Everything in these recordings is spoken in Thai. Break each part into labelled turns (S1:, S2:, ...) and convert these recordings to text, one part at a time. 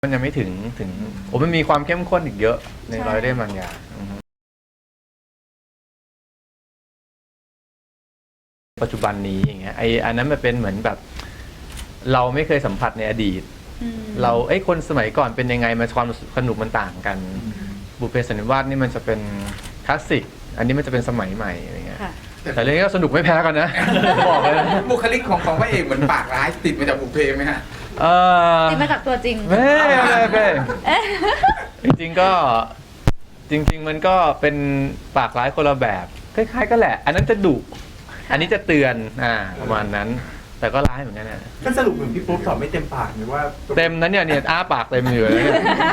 S1: มันยังไม่ถึงมันมีความเข้มข้นอีกเยอะในร้อยเล่มบางอย่างปัจจุบันนี้อย่างเงี้ยอันนั้นมันเป็นเหมือนแบบเราไม่เคยสัมผัสในอดีตเราคนสมัยก่อนเป็นยังไงมันความสนุกมันต่างกันบุพเพสันนิวาสนี่มันจะเป็นคลาสสิกอันนี้มันจะเป็นสมัยใหม่อะไรเงี้ยแต่เรื่องนี้ก็สนุกไม่แพ้กันนะบอกเลย
S2: บุคลิกของพระเอกเหมือนปากร้ายติดมาจากบุพเพไหมฮะ
S3: ติดมาจากตัวจริง
S1: ไม่จริงๆก็จริงๆมันก็เป็นปากร้ายคนละแบบคล้ายๆก็แหละอันนั้นจะดุอันนี้จะเตือนประมาณนั้นแต่ก็ร้ายเหมือนกันนะ
S4: ก็สรุปเหมือนพี่ปุ๊บตอบไม่เต็มปากหรือว่า
S1: เต็มนั้นเนี่ยอ้าปากเต็มอยู่เลย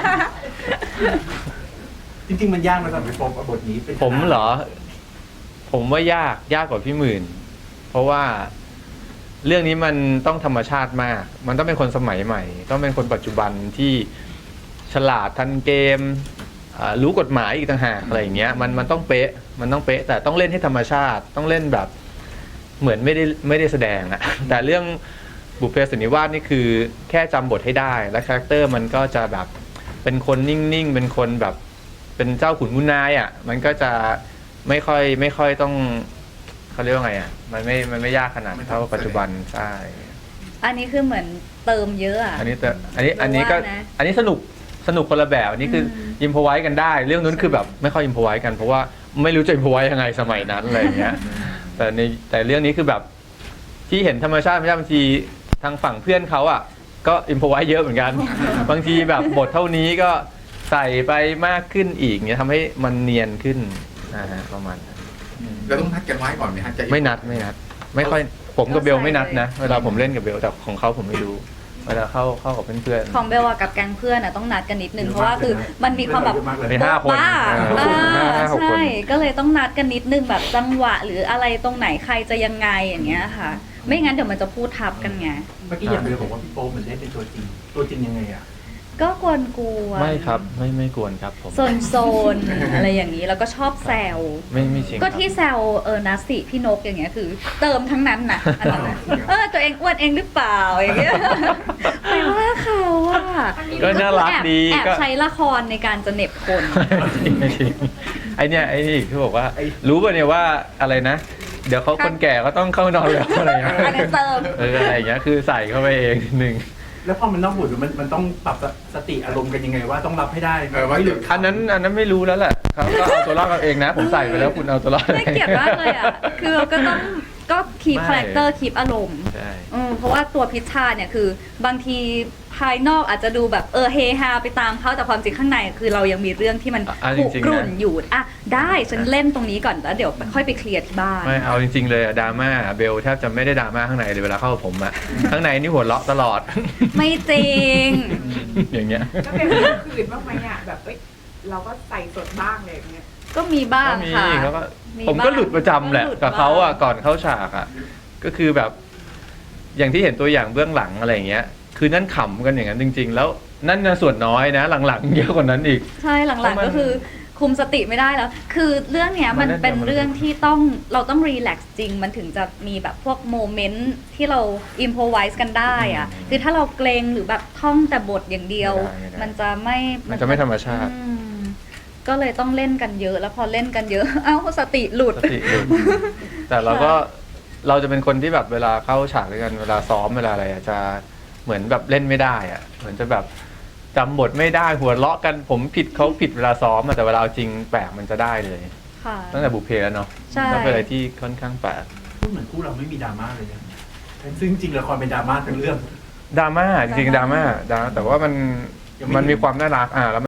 S4: จริงๆมันยากไหมสำหรับพี่ปุ๊บบทนี้เป็น
S1: ผมเหรอผมว่ายากกว่าพี่หมื่นเพราะว่าเรื่องนี้มันต้องธรรมชาติมากมันต้องเป็นคนสมัยใหม่ต้องเป็นคนปัจจุบันที่ฉลาดทันเกมรู้กฎหมายอีกต่างหากอะไรอย่างเงี้ยมันต้องเป๊ะแต่ต้องเล่นให้ธรรมชาติต้องเล่นแบบเหมือนไม่ได้แสดงอะแต่เรื่องบุพเพสันนิวาสนี่คือแค่จำบทให้ได้และคาแรคเตอร์มันก็จะแบบเป็นคนนิ่งๆเป็นคนแบบเป็นเจ้าขุนมุนนายอะมันก็จะไม่ค่อยต้องเขาเรียกว่าไงอะมันไม่ยากขนาดเท่าปัจจุบันใช่
S3: อันนี้คือเหมือนเติมเยอะ
S1: อันนี้ก็อันนี้สนุกคนละแบบอันนี้คืออิมพอไว้กันได้เรื่องนู้นคือแบบไม่ค่อยอิมพอไว้กันเพราะว่าไม่รู้จะอิมพอไว้ยังไงสมัยนั้นอะไรอย่างเงี้ยแต่เรื่องนี้คือแบบที่เห็นธรรมชาติบางทีทางฝั่งเพื่อนเขาอ่ะก็อิมพอไว้เยอะเหมือนกันบางทีแบบบทเท่านี้ก็ใส่ไปมากขึ้นอีกเนี่ยทำให้มันเนียนขึ้นประมาณนั้น
S2: เราต้องนัดกันไว้ก่อนไหมฮะ
S1: ไม่นัดไม่ค่อยผมกับเบลไม่นัดนะเวลาผมเล่นกับเบลแต่ของเขาผมไม่รู้เวลาเข้ากับเพื่อน
S3: ของเบลกับแก๊งเพื่อนต้องนัดกันนิดนึงเพราะว่าคือมันมีความแบบ
S1: มี5 คน
S3: ใช่ก็เลยต้องนัดกันนิดนึงแบบจังหวะหรืออะไรตรงไหนใครจะยังไงอย่างเงี้ยค่ะไม่งั้นเดี๋ยวมันจะพูดทับกันไง
S4: เมื่อกี้อย่างเบลบอกว่าพี่โป๊ปเหมือนได้เป็นตัวจริงยังไงอ่ะ
S3: ก็กวน
S1: ไม่ครับไม่กวนครับผม
S3: โซนอะไรอย่างนี้แล้วก็ชอบแซว
S1: ไม่จริง
S3: ก็ที่แซวนัสสิพี่นกอย่างเงี้ยคือเติมทั้งนั้นน่ะตัวเองอ้วนเองหรือเปล่าอย่างเงี้ยไม่ว่าเขาอ่ะ
S1: ก็น่ารักดี
S3: แอบใช้ละครในการจะเน็บคน
S1: ไม่จริงไอนี่ที่บอกว่ารู้ป่ะเนี่ยว่าอะไรนะเดี๋ยวเขาคนแก่ก็ต้องเข้านอนแล้วอะไรเงี้ย
S3: เติม
S1: อะไรอย่างเงี้ยคือใส่เข้าไปเองหนึ่ง
S4: แล้วพอมันนอกบทมันต้องปรับสติอารมณ์กันยังไงว่าต้องรับให้ได้
S2: ไม่หรือ
S1: อันนั้นไม่รู้แล้วแหละเขาก็เอาตัวรอดเอาเองนะผมใส่ไปแล้วคุณเอาตัวรอด
S3: ไม่เกลียดมากเลยอ่ะคือเราก็ต้องคีปคาแรคเตอร์คีปอารมณ์เพราะว่าตัวพิชชาเนี่ยคือบางทีภายนอกอาจจะดูแบบเฮฮาไปตามเขาแต่ความจริงข้างในคือเรายังมีเรื่องที่มันขุ่นกรุ่นอยู่ได้ฉันเล่นตรงนี้ก่อนแล้วเดี๋ยวค่อยไปเคลียร์ที่บ้าน
S1: ไม่เอาจริงๆเลยดราม่าเบลแทบจะไม่ได้ดราม่าข้างในเลยเวลาเข้ากับผมอะข้างในนี่หัวเราะตลอด
S3: ไม่จริง
S1: อย่างเงี้ย
S5: ก็เป็นเรื่องคืนบ้างไหมอ่ะแบบเราก็ใส่สดบ้างเลยอย่างเงี้ย
S3: ก็มีบ้างค่ะ
S1: ผมก็หลุดประจำแหละกับเขาอะก่อนเข้าฉากอะก็คือแบบอย่างที่เห็นตัวอย่างเบื้องหลังอะไรอย่างเงี้ยคือนั่นขำกันอย่างนั้นจริงๆแล้วนั่นส่วนน้อยนะหลังๆเยอะกว่านั้นอีก
S3: ใช่หลังๆก็คือคุมสติไม่ได้แล้วคือเรื่องเนี้ยมันเป็นเรื่องที่เราต้องรีแลกซ์จริงมันถึงจะมีแบบพวกโมเมนต์ที่เราอิมโพไวส์กันได้อะคือถ้าเราเกรงหรือแบบท่องแต่บทอย่างเดียวมันจะ
S1: ไม่ธรรมชาติ
S3: ก็เลยต้องเล่นกันเยอะแล้วพอเล่นกันเยอะสติหลุด
S1: แต่เราจะเป็นคนที่แบบเวลาเข้าฉากด้วยกันเวลาซ้อมเวลาอะไรจะเหมือนแบบเล่นไม่ได้อะเหมือนจะแบบจำบทไม่ได้หัวเราะกันผมผิดเขาผิดเวลาซ้อมแต่เวลาจริงแปลกมันจะได้เลยตั้งแต่บุพเพแล้วเนาะต้องเป็นอะไรที่ค่อนข้างแปลก
S4: พูดเหมือนคู่เราไม่มีดราม่าเลยนะซึ่งจริงละครเป็นดราม่าทั้งเรื่อง
S1: ดราม่าจริงดราม่าแต่ว่ามันมีความน่ารักแล้ว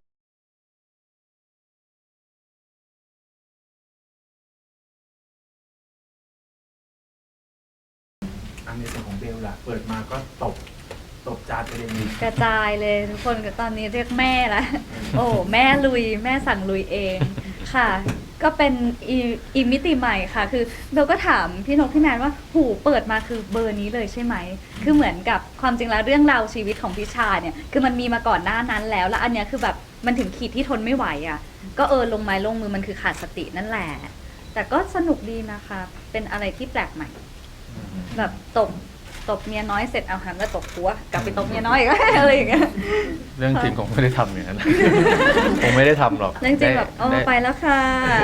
S4: ในส่วนของเบลล่ะเปิดมาก็ตบจานไปเลย
S3: กระจายเลยทุกคนตอนนี้เรียกแม่ละโอ้แม่ลุยแม่สั่งลุยเองค่ะก็เป็นอีมิติใหม่ค่ะคือเบลก็ถามพี่นกพี่แมนว่าหูเปิดมาคือเบอร์นี้เลยใช่ไหมคือเหมือนกับความจริงแล้วเรื่องราวชีวิตของพิชาเนี่ยคือมันมีมาก่อนหน้านั้นแล้วอันเนี้ยคือแบบมันถึงขีดที่ทนไม่ไหวอ่ะก็ลงไม้ลงมือมันคือขาดสตินั่นแหละแต่ก็สนุกดีนะคะเป็นอะไรที่แปลกใหม่แบบตตบเมียน้อยเสร็จเอาหันมาตบผัวกลับไปตบเมียน้อยอีก อะไรอย่างเงี้ย
S1: เรื่องจริงคงไม่ได้ทำอย่างนั้น คงไม่ได้ทำหรอก
S3: เรื่องจริงแบบโอ้
S1: ได้
S3: ไปแล้วค่ะ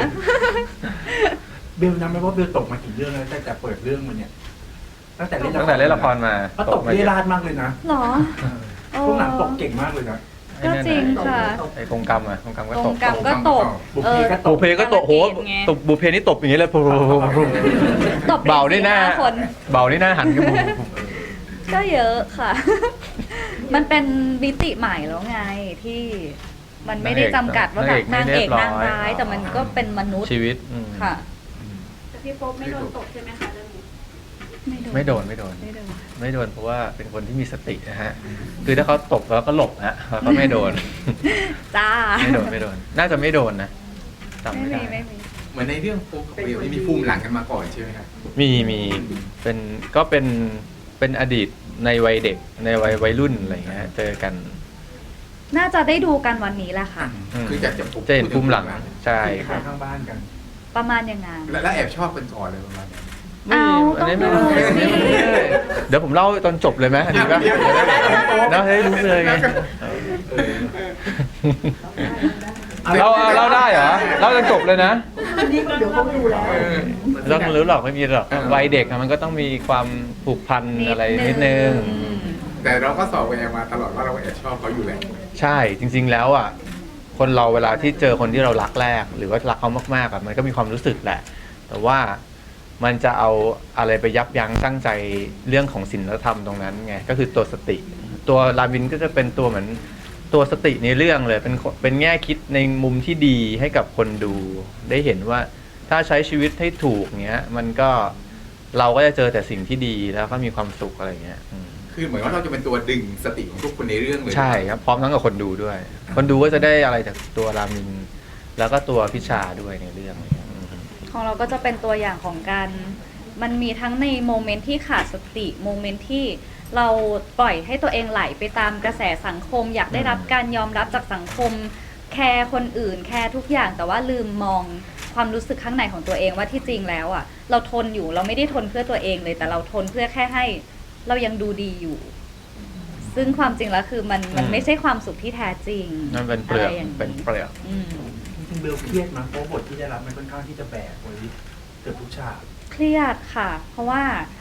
S4: เบลนับไหมว่าเบลตกมากี่เรื่องแล้วตั้งแต่เปิดเรื่องมันเนี่ยตั้งแต่เล่น
S1: ตั้งแต่เล่นละครมา
S4: ก็ตก
S1: มา
S4: เรียราดมากเลยนะ
S3: หรอ
S4: พวกหลังตกเก่งมากเลยนะ
S3: ก็จริงค่ะ
S1: ไอ้กงกรรมอะกงกรรมก็
S3: ก
S1: ต
S3: ง
S1: ก
S3: กรรมก็ตบ
S4: บุพเพก็ต
S1: บุ
S4: ก
S1: พเพก็ตกโห
S3: ไง
S1: ตบบุพเพนี่ตบอย่างนี้เลย
S3: ตบ
S1: เบานี่หน้า
S3: 4-5คน
S1: เบานี่หน้าหันกันบุบ
S3: ก็เยอะค่ะ มันเป็นมิติใหม่แล้วไงที่มันไม่ได้จำกัดว่าแบบนางเอกนางร้าย แต่มันก็เป็นมนุษย์
S1: ชีวิต
S3: ค่ะ
S5: แต่พี่โป๊ปไม่โดนตกใช่ไหมคะเรื่องนี้
S1: ไม่โดน
S3: ไม่โดน
S1: ไม่โดนเพราะว่าเป็นคนที่มีสตินะฮะ คือถ้าเขาตบแล้วก็หลบฮะแล้วก็ไม่โดน
S3: จ้า
S1: ไม่โดน น่าจะไม่โดนนะจำ
S3: ไม่
S1: ไม่
S3: มี
S1: ได้
S3: ไม่มี
S2: เหมือนในเรื่องโป๊กกับเบลนี่มีภูมิหลังกันมาก่อนใช่ไหมครับ
S1: มีเป็นอดีตในวัยเด็กในวัยรุ่นอะไรอย่างเงี้ยเจอกัน
S3: น่าจะได้ดูกันวันนี้แหละค่ะ
S2: คือจะ
S1: จะเห็นภูมิหลังใช่ค
S4: ข้า
S1: รับ
S4: ข้างบ้านกัน
S3: ประมาณอย่างงั้น
S2: แล้วแอบชอบกันก่อนเลยประมาณนั้น
S3: เอาต้องดูสิ
S1: เดี๋ยวผมเล่าตอนจบเลยไหมดีป่ะแล้วให้รู้เลยไงเราได้เหรอเล่าจนจบเลยนะ
S2: เออ
S1: เราไม่รู้หรอกไม่มีหรอกวัยเด็กอะมันก็ต้องมีความผูกพันอะไรนิดนึง
S2: แต่เราก็สอบกันมาตลอดว่าเราแอบชอบเขาอยู่แหละ
S1: ใช่จริง ๆ แล้วอ่ะคนเราเวลาที่เจอคนที่เรารักแรก หรือว่ารักเขามากๆอ่ะมันก็มีความรู้สึกแหละ แต่ว่ามันจะเอาอะไรไปยับยั้งชั่งใจเรื่องของศีลธรรมตรงนั้นไงก็คือตัวสติ ตัวรามินก็จะเป็นตัวเหมือนตัวสติในเรื่องเลยเป็นแง่คิดในมุมที่ดีให้กับคนดูได้เห็นว่าถ้าใช้ชีวิตให้ถูกเงี้ยมันก็เราก็จะเจอแต่สิ่งที่ดีแล้วก็มีความสุขอะไรเงี้ย
S2: คือเหมือนว่าเราจะเป็นตัวดึงสติของทุกคนในเรื่องเลย
S1: ใช่ครับพร้อมทั้งกับคนดูด้วย คนดูก็จะได้อะไรจากตัวรามิน แล้วก็ตัวพิชาด้วยในเรื่อง
S3: ของเราก็จะเป็นตัวอย่างของการมันมีทั้งในโมเมนต์ที่ขาดสติโมเมนต์ที่เราปล่อยให้ตัวเองไหลไปตามกระแสสังคม อยากได้รับการยอมรับจากสังคม แคร์คนอื่นแคร์ทุกอย่างแต่ว่าลืมมองความรู้สึกข้างในของตัวเองว่าที่จริงแล้วอ่ะเราทนอยู่เราไม่ได้ทนเพื่อตัวเองเลย แต่เราทนเพื่อแค่ให้เรายังดูดีอยู่ ซึ่งความจริงแล้วคือมันไม่ใช่ความสุขที่แท้จริง
S1: นั่นเป็นเปลือก
S3: ะไรย่าง
S1: เป็นเปลือก
S3: อืม
S4: จริงๆเบลเครียดมั้ยเพราะบทที่ได้รับมันค่อนข้างที่จะแบกไว้เกือบทุกฉาก
S3: เครียดค่ะ เพราะว่า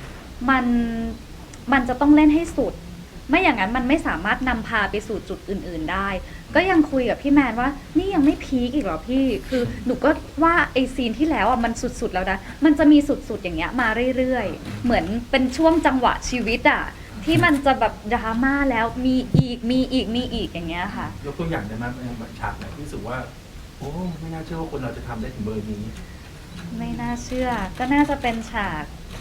S3: มันจะต้องเล่นให้สุด ไม่อย่างนั้นมันไม่สามารถนำพาไปสู่จุดอื่นๆได้ ก็ยังคุยกับพี่แมนว่านี่ยังไม่พีคอีกเหรอพี่ คือหนูก็ว่าไอซีนที่แล้วอ่ะมันสุดๆแล้วนะ มันจะมีสุดๆอย่างเงี้ยมาเรื่อยๆ เหมือนเป็นช่วงจังหวะชีวิตอ่ะที่มันจะแบบดราม่าแล้วมีอีกอย่างเงี้ยค่ะ
S4: ยกตัวอย่างได้ไหมแบบฉากไหนที่รู้สึกว่าโอ้ไม่น่าเชื่อว่าคนเราจะทำได้ถึงเบอร์นี้
S3: ไม่น่าเชื่อ ก็น่าจะเป็นฉาก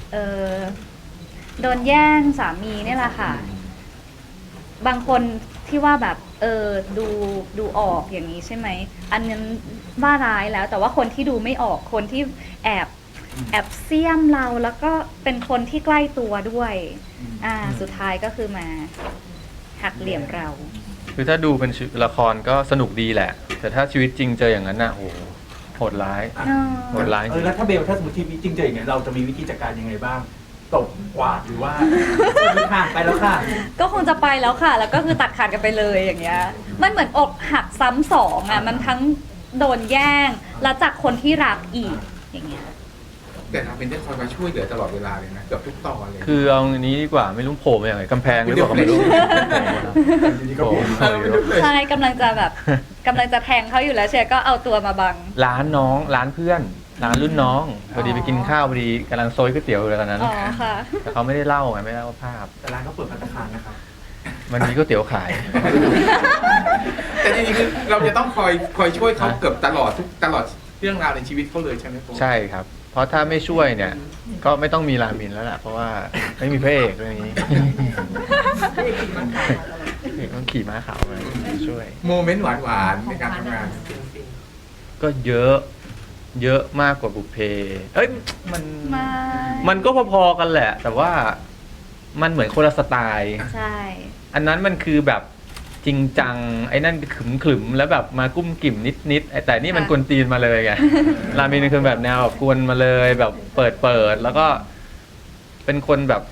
S3: โดนแย่งสามีเนี่ยแหละค่ะ บางคนที่ว่าแบบดูออกอย่างนี้ใช่ไหม อันนั้นว่าร้ายแล้ว แต่ว่าคนที่ดูไม่ออกคนที่แอบเสี้ยมเราแล้วก็เป็นคนที่ใกล้ตัวด้วย สุดท้ายก็คือมาหักเหลี่ยมเรา
S1: คือถ้าดูเป็นละครก็สนุกดีแหละ แต่ถ้าชีวิตจริงเจออย่างนั้นน่ะโอ้โหโหดร้าย โหดร้ายจริง
S4: แล้วถ้าเบลถ้าสมมติที่จริงเจออย่างเงี้ยเราจะมีวิธีจัดการยังไงบ้างตบกวาดหรือว่าห่างไปแล้วค่ะ
S3: ก็คงจะไปแล้วค่ะ แล้วก็คือตัดขาดกันไปเลยอย่างเงี้ย มันเหมือนอกหักซ้ำสองอ่ะ มันทั้งโดนแย่ง แล้วจากคนที่รักอีกอย่างเงี้ย
S2: แต่ทำเป็นได้คอยมาช่วยเหลือตลอดเวลาเลยนะเกือบทุกตอนเลย
S1: คือเอาอันนี้ดีกว่าไม่รู้โผล่มาอย่างไรกำแพงหรือเปล่าก็ไม่รู้
S4: อยู่ดีก็
S1: โผล่
S4: ผม
S1: มาอยู่
S3: ใช่กำลังจะแบบกำลังจะแทงเขาอยู่แล้วเชียร์ก็เอาตัวมาบัง
S1: ร้านน้องร้านเพื่อนร้านรุ่นน้องพอดีไปกินข้าวพอดีกำลังโซยก๋วยเตี๋ยวอยู่เลยตอนนั้น
S3: อ๋อค่ะ
S1: แต่เขาไม่ได้เล่าไงไม่ได้เล่าภาพ
S4: แต่ร้านเขาเปิดภัตตาคารนะครับ
S1: มันมีก๋วยเตี๋ยวขาย
S2: แต่จริงๆคือเราจะต้องคอยช่วยเขาเกือบตลอดเรื่องราวในชีวิตเขาเลยใช่ไหมโป๊ป
S1: ใช่ครับ เพราะถ้าไม่ช่วยเนี่ย ก็ไม่ต้องมีรามินแล้วแหละเพราะว่าไม่มีพระเอกเรื่องนี้พระเอกต้องขี่ม้าขาวมาช่วย
S2: โมเมนต์หวานๆในการทำงาน
S1: ก็เยอะมากกว่าบุพเพเอ้ย
S3: ไม่
S1: มันก็พอๆกันแหละ แต่ว่ามันเหมือนคนละสไตล์
S3: ใช่
S1: อันนั้นมันคือแบบจริงจังไอ้นั่นขึมๆแล้วแบบมากุ้มกิ่มนิดๆแต่นี่มันกวนตีนมาเลยไง รามินคือแบบแนวแบบกวนมาเลยแบบเปิดแล้วก็เป็นคนแบบ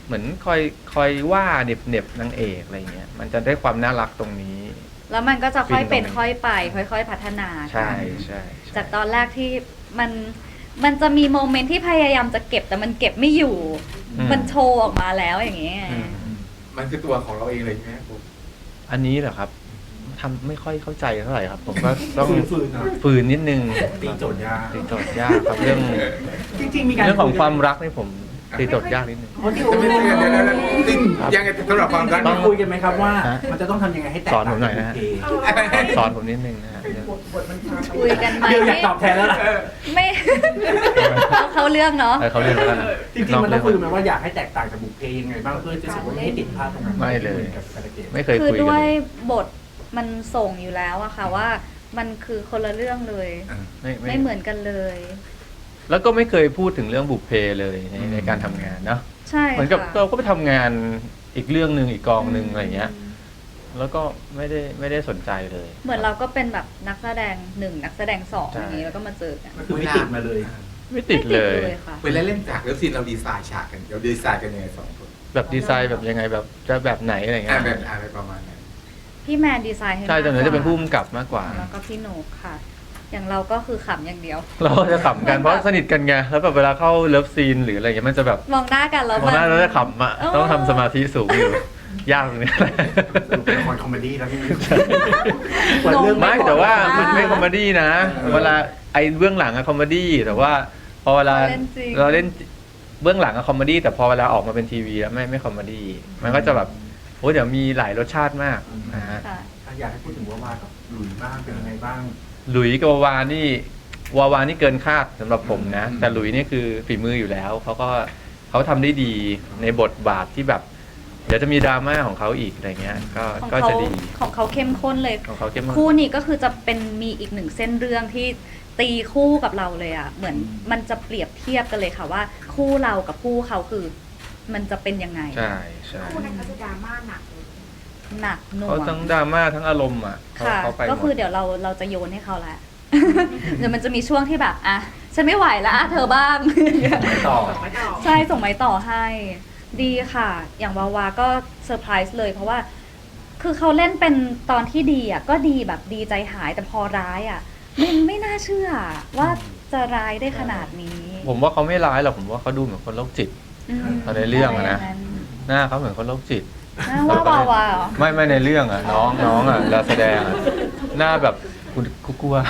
S1: เหมือนคอยว่าเหน็บนางเอกอะไรเงี้ยมันจะได้ความน่ารักตรงนี้
S3: แล้วมันก็จะค่อยเป็น
S1: ฟินตรงนี้
S3: ค่อยไป ค่อยๆพัฒนา
S1: ใช่
S3: กัน
S1: ใช่
S3: จากตอนแรกที่มันจะมีโมเมนต์ที่พยายามจะเก็บแต่มันเก็บไม่อยู่ มันโชว์ออกมาแล้วอย่างเงี้ย
S1: อืม
S2: มันคือตัวของเราเองเลยใช่ไหมผม
S1: อันนี้เหรอครับทำไม่ค่อยเข้าใจเท่าไหร่ครับ ผมก็ต้อง
S4: ฝืนๆนะ
S1: ฝืนนิดนึง
S4: ตีโจทย์ยาก
S1: ตีโจทย์ยากครับเรื่อง
S4: จริงๆมีการ
S1: เรื่องของความรักนี่ผมตีโจทย์ยากนิดนึง
S4: เขาที่
S2: แต่ไม่ได้เดี๋ยวจริงยังไงสำหรับความรัก
S4: ต้องคุยกันไหมครับว่า
S1: ฮะ
S4: มันจะต้องทำยังไงให้แตก
S1: สอนผ
S4: ต่าง
S1: มหน่อยนะฮะ
S4: จากบุพเพ
S1: สอนผมนิดนึงนะฮะเรื่อง
S5: บทมันพาไป
S3: คุยกันไหม
S4: เดี๋ยวอยากตอบแทนแล้วล่ะ
S3: ไม่ เขาเรื่องเนาะ
S1: เขาเรียนแล้วกัน
S4: จริงๆมันต้องคุยกันไหมว่าอยากให้แตกต่างจากบุพเพยังไงบ้างเพื่อจะรู้สึกว่าไม่ให้ติดพลาดตรงนั้น
S1: ไม่เลย
S4: กับการเกม
S1: ไม่เคย
S3: คือ
S1: คุยกัน
S3: ด้ว
S1: เลย ย
S3: บทมันส่งอยู่แล้วอะค่ะว่ามันคือคนละเรื่องเลย ไม่เหมือนกันเลย
S1: แล้วก็ไม่เคยพูดถึงเรื่องบุพเพเลยในการทำงานเนาะ
S3: ใช่
S1: เหมือนกับ
S3: ค่ะ
S1: เราก็ไปทำงานอีกเรื่องหนึ่งอีกกองหนึ่งอะไรเงี้ย แล้วก็ไม่ได้สนใจเลย
S3: เหมือนเราก็เป็นแบบนักแสดงหนึ่งนักแสดงสอง
S1: ใช่
S3: อย่างนี้แล้วก็มาเจอกัน
S4: ก็คือไม่ติดมาเลย
S1: ไม่ติดเลย
S3: ไม่ค่ะ
S2: เวลาเล่นฉากแล้วซีนเราดีไซน์ฉากกันเราดีไซน์กันยังไงสองคน
S1: แบบดีไซน์แบบยังไงแบบจะแบบไหนอะไรเงี้ย
S2: แบบอะไรประมาณนั้น
S3: พี่แมนดีไซน์ให้
S1: ใช่แต่หนู
S3: มากกว่า
S1: จะเป็นผู้กำกับมากกว่า
S3: แล้วก็พี่โหนกค่ะ อย่างเราก็คือขำอย่างเดียว
S1: เราก็จะขำกันเพราะสนิทกันไงแล้วแบบเวลาเข้าเลิฟซีนหรืออะไรเงี้ยมันจะแบบ
S3: มองหน้ากันแล้ว
S1: มองหน้าแล้วจะขำอ่ะ
S3: เออ
S1: ต้องทำสมาธิสูงอยู่ ยากตรงนี้
S4: สรุปเป็นละครคอมเมดี้แล้วพี่
S1: ไม่แต่ว่ามันไม่คอมเมดี้นะ เวลาไอ้เบื้องหลังอะคอมเมดี้แต่ว่าพอเวลาเราเล่นเบื้องหลังอะคอมเมดี้แต่พอเวลาออกมาเป็นทีวีแล้วไม่คอมเมดี้มันก็จะแบบโอ้เดี๋ยวมีหลายรสชาติมากนะฮะ
S3: ค่ะ
S4: อยากให้พูดถึงว่ากับหลุยบ้างเป็นยังไงบ้าง
S1: หลุยส์กับวาวานี่เกินคาดสำหรับผมนะ แต่หลุยส์นี่คือฝีมืออยู่แล้วเขาทำได้ดีในบทบาทที่แบบ เดี๋ยวจะมีดราม่าของเขาอีกอะไรเงี้ยก็จะดี
S3: ของเขาเข้มข้นเลย
S1: ของเขาเข้มข้น
S3: คู่นี้ก็คือจะเป็นมีอีกหนึ่งเส้นเรื่องที่ตีคู่กับเราเลยอ่ะ เหมือนมันจะเปรียบเทียบกันเลยค่ะว่า คู่เรากับคู่เขาคือ มันจะเป็นยังไง
S1: ใช่ใช่
S5: คู่นั้นเขาจะดราม่าหนักเลย
S3: หนักหน่ว
S1: เขา
S3: ง
S1: ทั้งดราม่าทั้งอารมณ์อ่ะ
S3: ค่ะ
S1: เขาไปหม
S3: ก็คือ
S1: ด
S3: เดี๋ยวเราจะโยนให้เขาละ เดี๋ยวมันจะมีช่วงที่แบบอ่ะฉันไม่ไหวแล้วอ่ะเธอบ้าง
S4: ต่อ
S5: ไม่ต่อ
S3: ใช่ส่งไม้ต่อให้ ดีค่ะ อย่างวาวาก็เซอร์ไพรส์เลยเพราะว่า คือเขาเล่นเป็นตอนที่ดีอ่ะก็ดีแบบดีใจหายแต่พอร้ายอ่ะไม่น่าเชื่อว่าจะร้ายได้ขนาดนี้
S1: ผมว่าเขาไม่ร้ายหรอกผมว่าเขาดูเหมือนคนโรคจิต เอาในเรื่องอะนะ หน้าเขาเหมือนคนโรคจิต
S3: หน้าว่าวาวาเหรอ
S1: ไม่ในเรื่องอ่ะน้องอ่ะเราแสดงอะหน้าแบบกลัว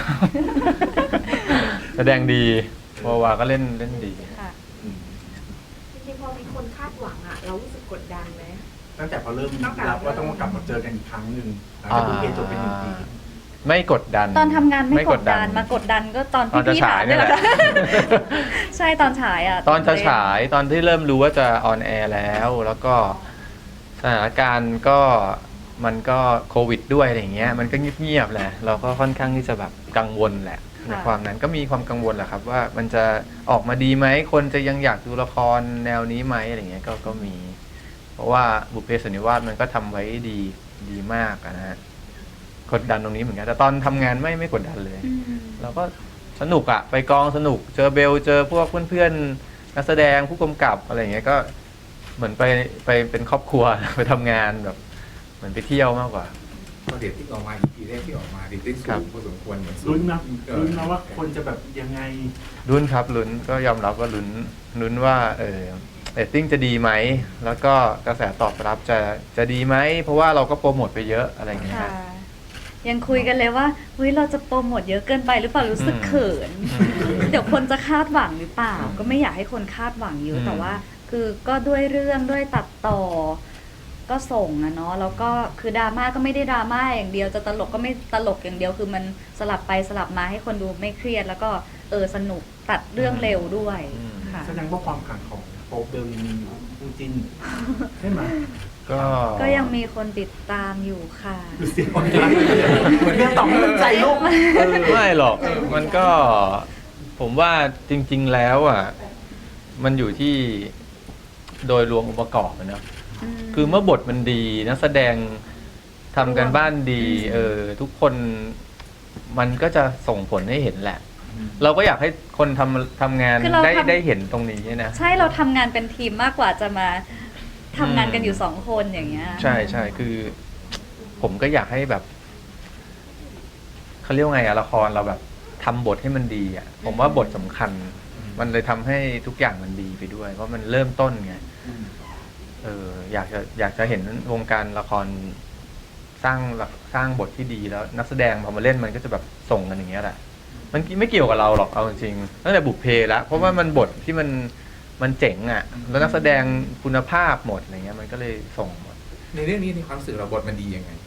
S1: แสดงดีวาวาก็เล่นดี
S3: ค่ะ
S5: จริงๆพอมีคนคาดหวังอ่ะ เรารู้สึกกดดันไหม
S4: ตั้งแต่พอเริ่มรับว่าต้องมากลับมาเจอกันอีกครั้งหนึ่งหลังจากบุพเพจบเป็น1 ปี
S1: ไม่กดดัน
S3: ตอนทำงานไม่กดดันมากดดันก็ตอน
S1: ตอนจะ
S3: พี่ๆ
S1: ฉาย
S3: ถาม
S1: นี่แหละ
S3: ใช่ตอนฉายอ่ะ
S1: ตอนจะฉายตอนที่เริ่มรู้ว่าจะออนแอร์แล้วก็สถานการณ์ก็มันก็โควิดด้วยอะไรอย่างเงี้ยมันก็เงียบๆแหละเราก็ค่อนข้างที่จะแบบกังวลแหละในความนั้นก็มีความกังวลแหละครับว่ามันจะออกมาดีไหมคนจะยังอยากดูละครแนวนี้ไหมอะไรเงี้ยก็มี เพราะว่าบุพเพสันนิวาสมันก็ทำไว้ดีมากอะนะฮะกดดันตรงนี้เหมือนกันแต่ตอนทำงานไม่กดดันเลย
S3: อืม
S1: เราก็สนุกอะไปกองสนุกเจอเบลเจอพวกเพื่อนๆนักแสดงผู้กำกับอะไรอย่างเงี้ยก็เหมือนไปเป็นครอบครัว ไปทำงานแบบ เหมือนไปเที่ยวมากกว่า
S2: พอเด็กที่ออกมา EP แรกที่ออกมาเด็กที่สู
S1: ครับ
S2: งพอสมควรเหมือน
S4: ลุ้นนะว่าคนจะแบบยังไง
S1: ลุ้นครับลุ้นก็ยอมรับว่าลุ้นว่าเรตติ้งจะดีไหมแล้วก็กระแสตอบรับจะดีไหมเพราะว่าเราก็โปรโมทไปเยอะอะไรอย่างเงี้ย
S3: ค่ะ
S1: ฮะ
S3: ยังคุยกันเลยว่าเฮ้ยเราจะโปรโมทเยอะเกินไปหรือเปล่ารู้สึกเขิน เดี๋ยวคนจะคาดหวังหรือเปล่า ก็ไม่อยากให้คนคาดหวังเยอะแต่ว่า คือก็ด้วยเรื่องด้วยตัดต่อ ก็ส่งอะเนาะแล้วก็คือดราม่าก็ไม่ได้ดราม่าอย่างเดียวจะตลกก็ไม่ตลกอย่างเดียวคือมันสลับไปสลับมาให้คนดูไม่เครียด แล้วก็สนุกตัดเรื่องเร็วด้วยค่ะ
S4: แสดงว่าความขังของโป๊ปเบลยังมีอยู่คู่จิ้นใช่ไหม
S1: ก็
S3: ก็ยังมีคนติดตามอยู่ค่ะ
S4: ดูสิเหมือนเรื่องตอบให้มันใจลูก
S1: ไม่หรอกมันก็ผมว่าจริง ๆแล้วอ่ะมันอยู่ที่โดยรวมองค์ประกอบอะเนอะคือเมื่อบทมันดีนักแสดงทำกันบ้านดีทุกคนมันก็จะส่งผลให้เห็นแหละ เราก็อยากให้คนทำงาน
S3: คือเราทำ
S1: ได้เห็นตรงนี้นะ
S3: ใช่เราทำงานเป็นทีมมากกว่าจะมาทำงานกันอยู่2 คนอย่างเงี้ย
S1: ใช่ใช่คือ ผมก็อยากให้แบบเขาเรียกว่าไงอะละครเราแบบทำบทให้มันดีอะผมว่าบทสำคัญ มันเลยทำให้ทุกอย่างมันดีไปด้วย เพราะมันเริ่มต้นไงอยากจะเห็นวงการละครสร้างบทที่ดีแล้ว นักแสดงพอมาเล่นมันก็จะแบบส่งกันอย่างเงี้ยแหละมันไม่เกี่ยวกับเราหรอกเอาจริงๆตั้งแต่บุพเพแล้วเพราะว่ามันบทที่มันเจ๋งอ่ะแล้วนักแสดงคุณภาพหมดอะไรเงี้ยมันก็เลยส่งหมด
S2: ในเรื่องนี้ในความรู้สึกเราบทมันดียังไง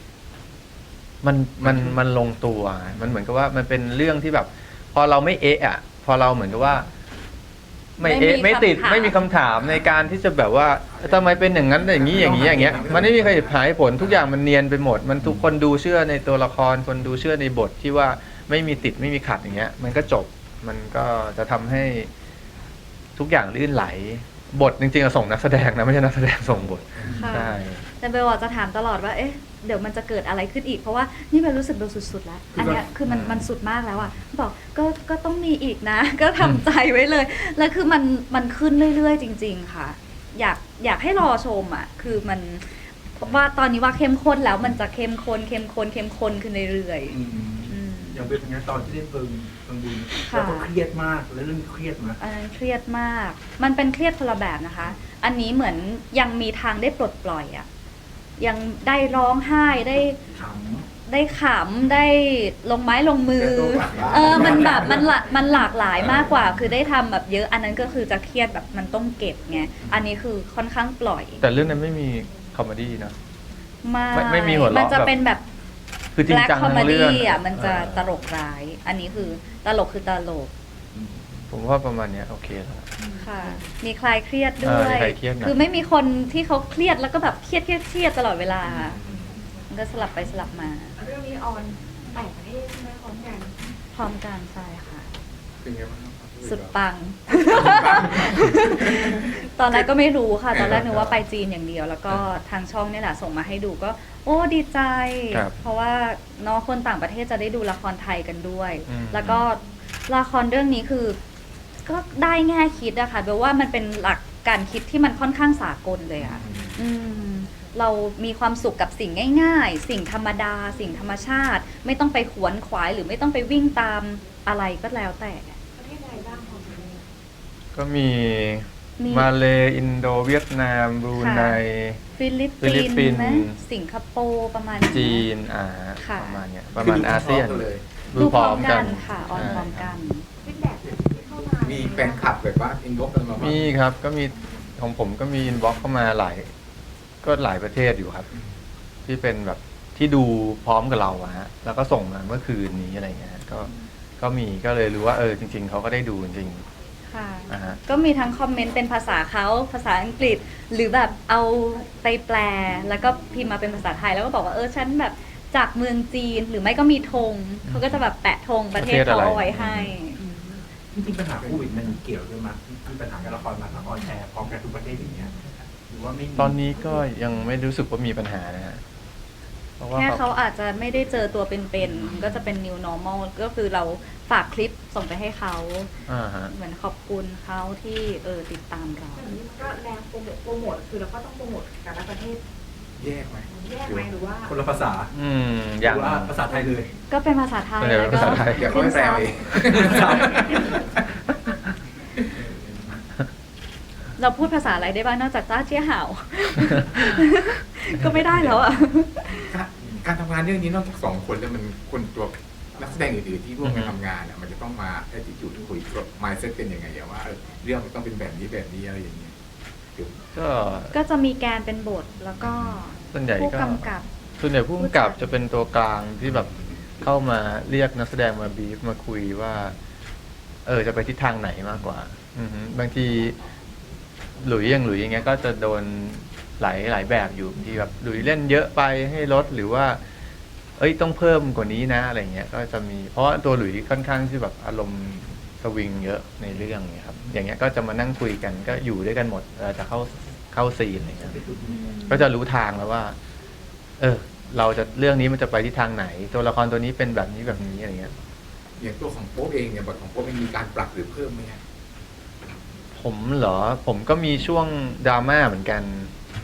S1: มันลงตัวมันเหมือนกับว่ามันเป็นเรื่องที่แบบ พอเราไม่เอะอ่ะพอเราเหมือนกับว่า ไม่เอะไม่ติดไม่มีคำถามในการที่จะแบบว่าทำไมเป็นอย่างนั้นอย่างนี้อย่างนี้อย่างเงี้ยมันไม่มีใครหายผลทุกอย่างมันเนียนไปหมด มันทุกคนดูเชื่อในตัวละครคนดูเชื่อในบทที่ว่าไม่มีติดไม่มีขัดอย่างเงี้ย มันก็จบมันก็จะทำให้ทุกอย่างลื่นไหล บทจริงๆส่งนักแสดงนะไม่ใช่นักแสดงส่งบท
S3: ค่ะ
S1: ใช่
S3: แต่เบลจะถามตลอดว่าเอ๊ะเดี๋ยวมันจะเกิดอะไรขึ้นอีกเพราะว่านี่เบลรู้สึกเบลสุดๆแล้วอันเนี้ยคือมันสุดมากแล้วอ่ะบอกก็ต้องมีอีกนะ ก็ทำใจไว้เลยแล้วคือมันขึ้นเรื่อยๆจริง ๆ ค่ะ อยากให้รอชมอ่ะคือมันว่าตอนนี้ว่าเข้มข้นแล้วมันจะเข้มข้นขึ้นเรื่อยๆ
S4: อย่างเป็นอย่างนี้ตอนที่เล่นเพิงบุญแล้วก็เครียดมากแล้วเรื่องนี้เครียดไหม
S3: อันนั้นเครียดมาก มันเป็นเครียดคนละแบบนะคะ อันนี้เหมือนยังมีทางได้ปลดปล่อยอะยังได้ร้องไห้ได้
S4: ข
S3: ได้ขำได้ลงไม้ลงมือ มันแบบมันหลากหลายมากกว่า คือได้ทำแบบเยอะ อันนั้นก็คือจะเครียดแบบมันต้องเก็บไง อันนี้คือค่อนข้างปล่อย
S1: แต่เรื่องนั้นไม่มีคอมเมดี้นะ ไม่มีหัวเราะ
S3: มันจะเป็นแบบ
S1: คือจริง
S3: แบล็ค
S1: จัง
S3: คอมเม
S1: ทั้งเรื่อง
S3: ดี้อ่ะมันจะตลกร้าย อันนี้คือตลกคือตลก
S1: ผมว่าประมาณเนี้ยโอเคแล้ว
S3: ค่ะ มีคลายเครียดด้วย
S1: มีคลายเครียดนะ
S3: คือไม่มีคนที่เขาเครียดแล้วก็แบบเครียดตลอดเวลา มันก็สลับไปสลับมา
S5: เรื่องนี้ออน8 ประเทศใช่ไหมพร้อมกัน
S3: พร้อมกันใช่ค่ะ
S2: เป็นไงบ้างครับ
S3: สุดปัง ตอนแรกก็ไม่รู้ค่ะ ตอนแรกนึกว่าไปจีนอย่างเดียว แล้วก็ทางช่องเนี่ยแหละส่งมาให้ดูก็ โอ้ดีใจ
S1: ครับ
S3: เพราะว่าน้องคนต่างประเทศจะได้ดูละครไทยกันด้วย
S1: อืม
S3: แล้วก็ละครเรื่องนี้คือ ก็ได้แง่คิดอะค่ะแปลว่ามันเป็นหลักการคิดที่มันค่อนข้างสากลเลยอะเรามีความสุขกับสิ่งง่ายๆ สิ่งธรรมดา สิ่งธรรมชาติ ไม่ต้องไปขวนขวายหรือไม่ต้องไปวิ่งตามอะไรก็แล้วแต่
S5: ประเทศใดบ้างของเรา
S1: ก็มี
S3: มี
S1: มาเลอินโดเวียดนามบรูไน
S3: ฟิลิป
S1: ฟิลิปปิ
S3: ปิ
S1: น
S3: น
S1: ส์
S3: ส์ไหมสิงคโปร์ประมาณ
S1: จีน
S3: ค่ะ
S1: ประมาณเนี้ยประมาณอาเซียน
S2: เลย
S3: ดูพร้อมกันค่ะออนพร้อมกัน
S5: ฟีดแบ็กที่เข้ามา
S2: มีแฟนคลับแบบว่าอินบ็อกซ์กันมาบ้าง
S1: มีครับก็มีของผมก็มีอินบ็อกเข้ามาหลายประเทศอยู่ครับ ที่เป็นแบบที่ดูพร้อมกับเราอะฮะแล้วก็ส่งมาเมื่อคืนนี้อะไรเงี้ยก็มีก็เลยรู้ว่าจริง ๆเขาก็ได้ดูจริง
S3: ค่ะ
S1: อ่าฮะ
S3: ก็มีทั้งคอมเมนต์เป็นภาษาเขาภาษาอังกฤษ หรือแบบเอาไปแปล แล้วก็พิมพ์มาเป็นภาษาไทย แล้วก็บอกว่าฉันแบบจากเมืองจีน หรือไม่ก็มีธงเขาก็จะแบบแปะธงประเทศเขาเอาไว้ให้
S4: จริงๆปัญหาโควิดมันเกี่ยวด้วยมั้ยมีปัญหาการละครมาทางออนแอร์พร้อมกันทุกประเทศอย่างเงี้ยหรือว่าไม่มี
S1: ตอนนี้ก็ยังไม่รู้สึกว่ามีปัญหานะฮะเพราะว่า
S3: แค่เขาอาจจะไม่ได้เจอตัวเป็นๆ ก็จะเป็น new normal ก็คือเราฝากคลิปส่งไปให้เขา
S1: ฮะ
S3: เหมือนขอบคุณเขาที่ติดตามเรา
S5: อย่างนี้มันก็แรงโปรโมทคือเราก็ต้องโปรโมทแต่ละประเทศ
S2: แยกไหม
S5: แยกไหมหรือว่า
S4: คนละภาษา
S1: อ
S4: ห
S1: ย่าง
S4: รือว่าภาษาไทยเลย
S3: ก็เป็นภาษาไทย
S1: ส่วนใหญ่
S3: แล้ว
S1: เป็น
S3: ก็
S1: ภาษาไทย
S2: เดี๋ยวเขาไปแปลเอง
S3: เราพูดภาษาอะไรได้บ้างนอกจากจ้าเจี้ยห่าว ก็ไม่ได้แล้วอ่ะ
S2: การทำงานเรื่องนี้นอกจากสองคนแล้วมันคนตัวนักแสดงอื่นๆที่ร่วมกันทำงานอ่ะมันจะต้องมาแอทิจูดคุยกับมายเซ็ตเป็นยังไงอะว่าเรื่องมันต้องเป็นแบบนี้อะไรอย่างเงี้ยเดี๋ยว
S3: ก็จะมีแกนเป็นบทแล้วก็
S1: ส่วนใหญ่
S3: ผู้
S1: ก็
S3: กำกับ
S1: ส่วนใหญ่ผู้กำกับจะเป็นตัวกลางที่แบบเข้ามาเรียกนักแสดงมาบีฟมาคุยว่า จะไปทิศทางไหนมากกว่า บางทีหลุยอย่างเงี้ยก็จะโดนหลายแบบอยู่บางทีแบบหลุยเล่นเยอะไปให้ลดหรือว่าต้องเพิ่มกว่านี้นะอะไรเงี้ยก็จะมีเพราะว่าตัวหลุยค่อนข้างที่แบบอารมณ์สวิงเยอะในเรื่องเนี้ยครับอย่างเงี้ยก็จะมานั่งคุยกันก็อยู่ด้วยกันหมดจะเข้าซีนอะไรเงี้ยก็จะรู้ทางแล้วว่า เราจะเรื่องนี้มันจะไปที่ทางไหน ตัวละครตัวนี้เป็นแบบนี้อะไรเงี้ย
S2: อย่างตัวของโป๊ปเองเนี่ยบทของโป๊ปเองมีการปรับหรือเพิ่มไหมฮะ
S1: ผมเหรอผมก็มีช่วงดราม่าเหมือนกัน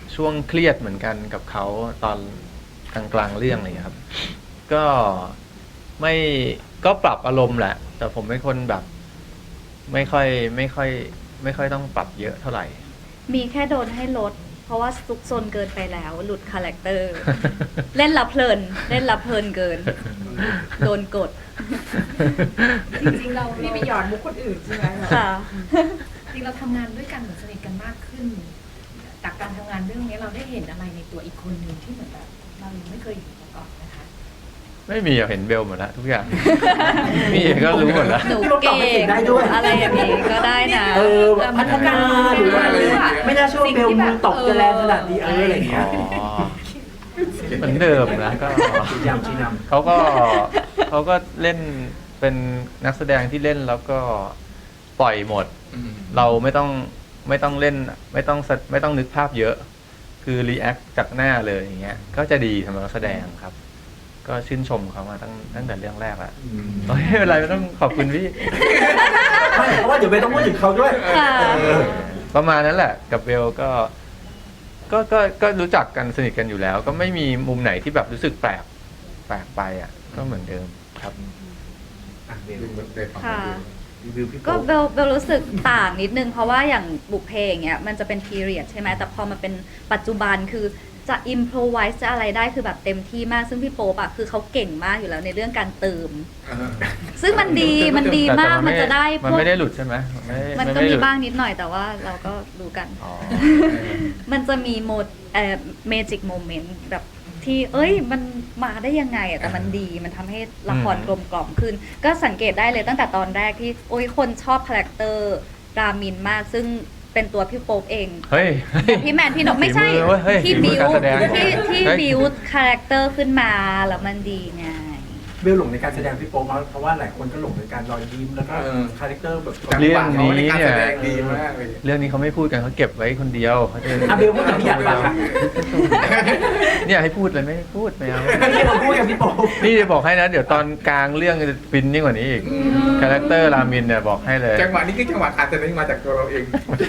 S1: ช่วงเครียดเหมือนกันกับเขาตอนกลางๆเรื่องอะไรอย่างเงี้ยครับ ก็ไม่ก็ปรับอารมณ์แหละ แต่ผมเป็นคนแบบ ไม่ค่อยต้องปรับเยอะเท่าไหร่
S3: มีแค่โดนให้ลด เพราะว่าซุกซนเกินไปแล้ว หลุดคาแรคเตอร์ เล่นละเพลิน เล่นละเพลินเกิน โดนกด
S5: จริงๆเราไม่ไปหยอดมุกคนอื่นใช่ไหม
S3: ค่ะ
S6: จริงเราทำงานด้วยกันเหมือนสนิทกันมากขึ้นจากการทำงานเรื่องนี้เราได้เห็นอะไรในตัวอีกคนหนึ่งที่เหมือนแบบเรายังไม่เคยเห็นมาก่อนนะคะ
S1: ไม่มีอะเห็นเบลหมดแล้วทุกอย่าง มีก็รู้หมดแล้ว
S3: หนูเก่งอะไรอย่างนี้ก็ได้นะ
S4: แบบพัฒนาหรือว่าอะไรไม่น่าเชื่อว่าเบลมือตกจะแรงขนาดนี้อะไรอย่างเงี้ย
S1: อ๋อเหมือนเดิมนะก็
S4: ชี้นำชี้นำ
S1: เขาก็เล่นเป็นนักแสดงที่เล่นแล้วก็ปล่อยหมด เราไม่ต้องเล่นไม่ต้องนึกภาพเยอะ คือรีแอคจากหน้าเลยอย่างเงี้ย ก็จะดีสำหรับนักแสดงครับ ก็ชื่นชมเขามาตั้งแต่เรื่องแรกแล้วไม่เป็นไรไม่ต้องขอบคุณพี่
S4: ไม่เพราะว่าเดี๋ยวเบลต้องพูดถึงเขาด้วย
S3: ค่ะ
S1: ประมาณนั้นแหละกับเบลก็รู้จักกันสนิทกันอยู่แล้ว ก็ไม่มีมุมไหนที่แบบรู้สึกแปลกไปอ่ะ ก็เหมือนเดิมครับ
S4: อ่ะเบล
S3: ค่ะ
S4: รีวิวพี่
S3: ก็
S4: โป๊ป
S3: เบลรู้สึกต่างนิดนึงเพราะว่าอย่างบุพเพอย่างเงี้ยมันจะเป็นพีเรียดใช่ไหมแต่พอมาเป็นปัจจุบันคือจะอิมโพรไวส์จะอะไรได้คือแบบเต็มที่มากซึ่งพี่โป๊ปอะคือเขาเก่งมากอยู่แล้วในเรื่องการเติม ซึ่งมันดีมากมันจะได้พ
S1: มัน
S3: วก
S1: ไม่ได้หลุดใช่ไหม
S3: มันก็
S1: ไได้
S3: มี
S1: หลุด
S3: บ้างนิดหน่อยแต่ว่าเราก็รู้กัน
S1: อ๋อ
S3: มันจะมีโมดเมจิกโมเมนต์แบบที่มันมาได้ยังไงอะแต่มันดีมันทำให้ละครกลมกล่อมขึ้น ก็สังเกตได้เลยตั้งแต่ตอนแรกที่คนชอบคาแรคเตอร์รามินมากซึ่งเป็นตัวพี่โป๊ปเอง
S1: เฮ้ย
S3: แต่พี่แมนพี่นกไม่ใช่
S1: ฝีมือเว้ยเฮ้ย
S3: ที่
S1: ฝีมื
S3: บิ
S1: อ
S3: ว
S1: การแสดง
S3: ที่
S1: เฮ้ย
S3: บิวคาแรคเตอร์ขึ้นมาแล้วมันดีไง
S4: เบลหลงในการแสดงพี่โป๊ปเพราะว่าหลายคนก็หลงในการรอยยิ้มแล้วก็คาแรคเตอร์แบบ
S1: เรื่องนี้เนี่ย
S2: การแสดงดีมากเลย
S1: เรื่องนี้เขาไม่พูดกันเขาเก็บไว้คนเดียวเขาจะ
S4: อ่ะเบลพูดกับพี่หยาดฟังอ่ะ
S1: เนี่ยให้พูดเลยไม่พูดไม่เอา
S4: ไม่ใช่เราพูดกับพี่โป๊ป
S1: นี่จะบอกให้นะ เดี๋ยวตอนกลางเรื่องจะฟินยิ่งกว่านี้อีกคาแรคเตอร์รามินเนี่ยบอกให้เลย
S2: จังหวะนี้คือจังหวะการแสดงมาจากตัวเราเอง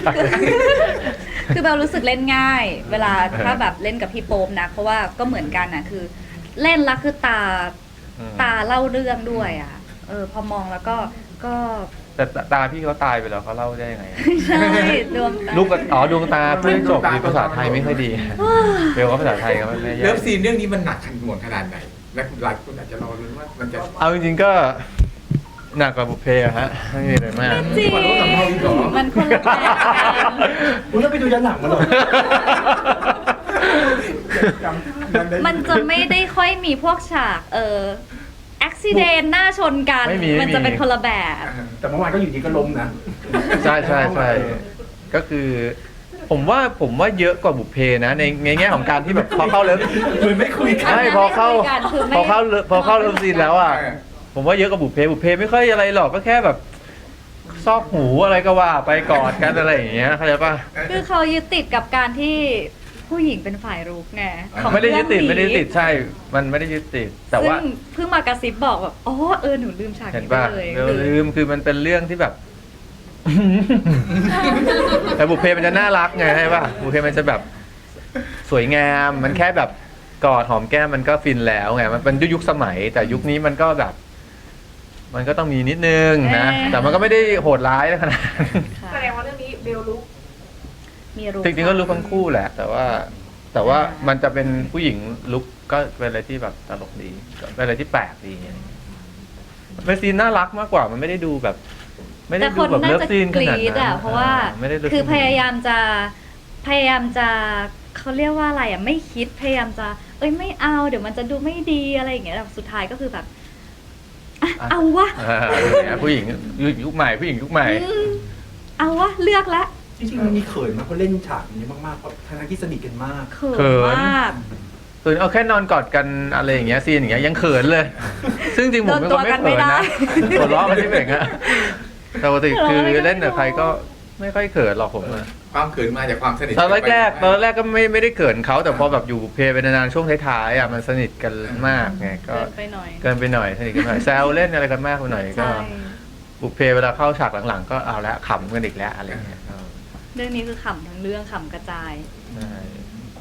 S3: คือเบลรู้สึกเล่นง่าย เวลาถ้าแบบเล่นกับพี่โป๊ปนะเพราะว่าก็เหมือนกันนะคือ เล่นแล้วคือตาเล่าเรื่องด้วยอ่ะพอมองแล้วก็
S1: แต่ตาพี่เขาตายไปแล้วเขาเล่าได้ยังไง
S3: ใช่ดวงตา
S1: ลูกดวงตาเพื่อนจบดีภาษาไทยไม่ค่อยดีเบลก็ภาษาไทยก็ไม่แย่
S2: เลิฟซีนเรื่องนี้มันหนักขันหน่วงขนาดไหน และหลายคนอาจจะรอรุ้นว่ามันจะ
S1: เอาจริงๆก็หนักกว่าบุพเพอะฮะไม่มีอะไรมาก
S3: จริง
S2: มันรู้สำเภาอีกเหรอ
S3: มันคนละแบบกัน
S4: คุณต้องไปดูย้อนหลังมาหน่อย
S3: มันจะไม่ได้ค่อยมีพวกฉากอุบิเหตุหน้าชนกัน
S1: ไม่มี
S3: มันจะเป็นคนละแบบ
S4: แต่เมื่อวานก็อยู่ดีก็ล้มนะ
S1: ใช่ก็คือ ผมว่าเยอะกว่าบุพเพนะในแง่ของการที่แบบพอเข้าเลิฟ
S4: เหมือนไม่คุยกัน
S1: ใช่พอเข้าเลิฟซีนแล้วอ่ะ
S2: เออ
S1: ผมว่าเยอะกว่าบุพเพไม่ค่อยอะไรหรอกก็แค่แบบซอกหูอะไรก็ว่าไปกอดกันอะไรอย่างเงี้ยเข้าใจป่ะ
S3: คือเขายึดติดกับการที่ผู้หญิงเป็นฝ่ายรุกไงของ
S1: ไม่ได้ยึดติด
S3: เรื่องนี้
S1: ไม่ได้ยึดติดใช่ มันไม่ได้ยึดติดแต่ว่า
S3: ซึ่งเพิ่งมากระซิบบอกแบบหนูลืมฉาก
S1: เห็น
S3: นี้ไป
S1: ป่ะ
S3: เลย
S1: ลืมคือมันเป็นเรื่องที่แบบ แต่บุพเพมันจะน่ารักไงใช่ป่ะบุพเพมันจะแบบสวยงามมันแค่แบบกอดหอมแก้มมันก็ฟินแล้วไงมันเป็นยุคสมัย แต่ยุคนี้มันก็แบบ มันก็ต้องมีนิดนึงนะแต่มันก็ไม่ได้โหดร้ายขนาดนั้น
S3: ค่ะ
S5: แสดงว่าเรื่องนี้เบลลุก
S3: มีรุก
S1: จริงๆก็ลุกทั้งคู่แหละ แต่ว่ามันจะเป็นผู้หญิงลุกก็เป็นอะไรที่แบบตลกดีเป็นอะไรที่แปลกดีเป็นซีนน่ารักมากกว่ามันไม่ได้ดูแบบ ไม่ได้
S3: แต่
S1: ดู
S3: คน
S1: แบบ
S3: น่า
S1: เลิฟ
S3: จะ
S1: ซีน
S3: ก
S1: ขนาด
S3: รี๊ด
S1: นั้น
S3: อ่ะเพราะว่า
S1: ไม่ได้
S3: คือพยายามจะเขาเรียกว่าอะไรอ่ะไม่คิดพยายามจะไม่เอาเดี๋ยวมันจะดูไม่ดีอะไรอย่างเงี้ยแต่สุดท้ายก็คือแบบเอาวะ
S1: ผู้หญิงยุคใหม่ผู้หญิงยุคใหม่
S3: เอาวะเลือกละ
S4: จริงๆมันมีเขินมากเพราะเล่นฉากนี้มากๆเพราะทั้งที่สนิทกันมาก
S3: เขิ
S1: เขิ
S3: น
S1: น
S3: มาก
S1: คือเอาแค่นอนกอดกันอะไรอย่างเงี้ยซีนอย่างเงี้ยยังเขินเลย ซึ่งจริงผมเป็นคนไม่เขินนะหัวเราะมันที่เบ่งอะแต่ปกติคือเล่นกับใครก็ไม่ค่อยเขินหรอกผมอะ
S2: ความเขินมาจากความสนิท
S1: ตอนแรกก็ไม่ได้เขินเขาแต่พอแบบอยู่เพลย์ไปนานๆช่วงท้ายๆอ่ะมันสนิทกันมากไงก็
S3: เกินไปหน่อย
S1: เกินไปหน่อยสนิทกันหน่อยแซวเล่นอะไรกันมากไปหน่อยก็
S3: ใช่
S1: บุพเพเวลาเข้าฉากหลังๆ ก็เอาละขำกันอีกแล้วอะไรเงี้ย
S3: เรื่องนี้คือขำทั้งเรื่องขำกระจาย
S1: ใช่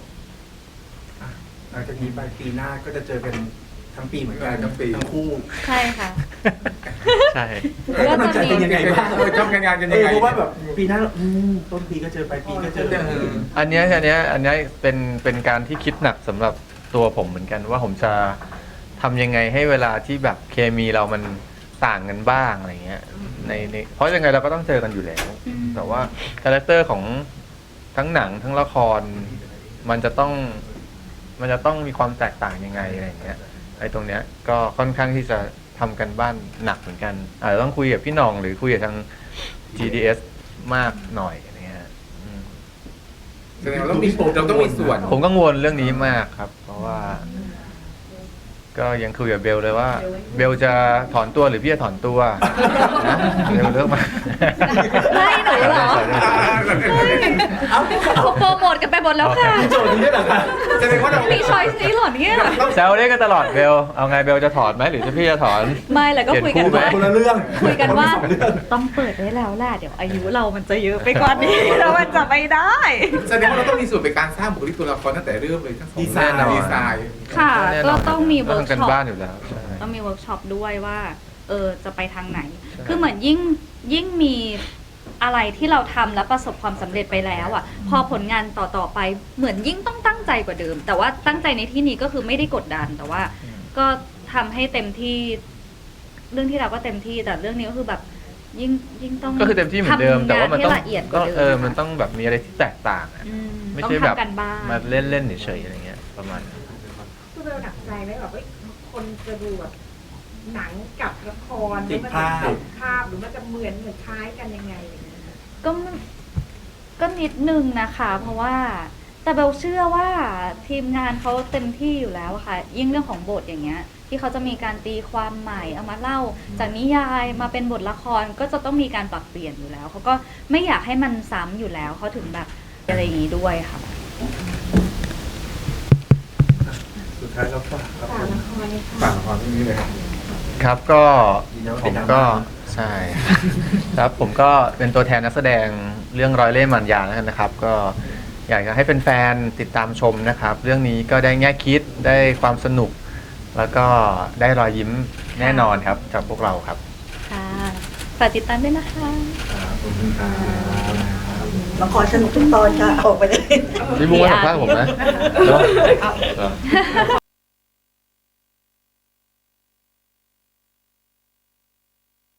S4: หลังจากนี้ไปปีหน้าก็จะเจอกันทั้งปีเหมือนกัน
S2: ทั้งปี
S4: ทั้งคู่
S3: ใช่ค่ะ
S1: ใช่
S3: ก็จะมี
S4: เป็นยังไงบ้าง
S2: ทำงานกันยังไง
S4: เพราะว่าแบบปีหน้าต้นปีก็เจอปลายปีก็เจอ
S1: อันเนี้ยเป็นการที่คิดหนักสำหรับตัวผมเหมือนกันว่าผมจะทำยังไงให้เวลาที่แบบเคมีเรามันต่างกันบ้างอะไรเงี้ยในเพราะยังไงเราก็ต้องเจอกันอยู่แล้ว แต่ว่าคาแรคเตอร์ของทั้งหนังทั้งละครมันจะต้องมีความแตกต่างยังไงอะไรเงี้ยไอ้ตรงเนี้ยก็ค่อนข้างที่จะทำกันบ้านหนักเหมือนกันอาจจะต้องคุยกับพี่หน่องหรือคุยกับทาง GDS มากหน่อยอะไรเงี้ยอืม
S2: แสดงว่าเราต้องมีส่วน
S1: ผมกังวลเรื่องนี้มากครับ เพราะว่า ก็ยังคุยกับเบลเลยว่า เบลจะถอนตัวหรือพี่จะถอนตัวนะเบลเลือกมา
S3: ไม่หนูเหรอ เขาโปรโมทกันไปหมดแล้วค่ะ
S4: โจทย์นี้ได้เหรอคะ
S2: แสดงว่าเรา
S3: มีช้อยส์นี้เหรอเนี่ย
S1: แซวเล่นกันตลอดเบลเอาไงเบลจะถอนไหมหรือจะพี่จะถอน
S3: ไม่แล้วก็คุยกันว่า
S4: คนละเรื่อง
S3: คุยกันว่า
S4: คละสองเรื่อง
S3: ต้องเปิดได้แล้วแหละเดี๋ยวอายุเรามันจะเยอะไปกว่านี้ แล้วมันจะไม่ได้
S2: แสดงว่าเราต้องมีส่วนในการสร้างบุคลิกตัวละครตั้งแต่เริ่มเลยทั้งสอง
S4: ดีไซน์
S2: ดีไซน์
S3: ค่ะ
S1: แน่น
S3: ก็
S1: น
S3: ต้องมี
S1: ต้
S3: เวิ
S1: อง
S3: ร์ก
S1: ทำกัน
S3: ช็อป
S1: บ้านอยู่แล้วใช่
S3: ต้องมีเวิร์กช็อปด้วยว่าจะไปทางไหน
S1: ใช่
S3: คือเหมือนยิ่งมีอะไรที่เราทำแล้วประสบความสำเร็จไปแล้วอ่ะ พอผลงานต่อไปเหมือนยิ่งต้องตั้งใจกว่าเดิม แต่ว่าตั้งใจในที่นี้ก็คือไม่ได้กดดัน แต่ว่าก็ทำให้เต็มที่ เรื่องที่เราก็เต็มที่แต่เรื่องนี้ก็คือแบบยิ่งต้อง
S1: ก็คือเต็มที่เหมือนเดิม แต่ว่ามันต้อง
S3: ทำงให้ละเอียดก
S1: ก็
S3: ว่าเดิม
S1: มันต้องแบบมีอะไรที่แตกต่างอะ
S3: อืม
S1: ไม่
S3: ต้อง
S1: ใช่แบบ
S3: ทำกันบ้าน
S1: มาเล่นๆเฉยๆอะไรเงี้ยประมาณนั้น
S5: คือเราหนักใจไหมแบบว่าคนจะดูแบบหนังกับละคร
S4: ติด
S5: หรือ
S4: ภาพ
S5: มันจะติดภาพหรือมันจะเหมือนคล้ายกันยังไงอะไรอย่างเงี้ย
S3: ก็นิดนึงนะคะ เพราะว่าแต่เบลเชื่อว่าทีมงานเขาเต็มที่อยู่แล้วอะค่ะ ยิ่งเรื่องของบทอย่างเงี้ย ที่เขาจะมีการตีความใหม่เอามาเล่าจากนิยายมาเป็นบทละครก็จะต้องมีการปรับเปลี่ยนอยู่แล้วเขาก็ไม่อยากให้มันซ้ำอยู่แล้วเขาถึงแบบอะไรอย่างนี้ด้วยค่ะ
S4: สุดท้ายแล้วฝากครับผม
S2: ฝากละครเรื่องนี้เลยครับ
S1: ครับก็
S4: ยืนยันว่า
S1: ผ
S4: เป็น
S1: ม
S4: ดรา
S1: ก็
S4: ม่า
S1: ใช่ ครับผมก็เป็นตัวแทนนักแสดงเรื่องร้อยเล่ห์มันยาแล้วกันนะครับ ก็อยากจะให้แฟนๆติดตามชมนะครับ เรื่องนี้ก็ได้แง่คิดได้ความสนุก แล้วก็ได้รอยยิ้มแน่นอนครับจากพวกเราครับ
S3: ค่ะฝากติดตามด้วยนะคะ
S4: ขอบคุณครับ
S7: ละครสนุกทุกตอนค่ะ ออกไปเลย
S1: พี่บุ้งมาสัมภาษณ์ผมนะเหรอ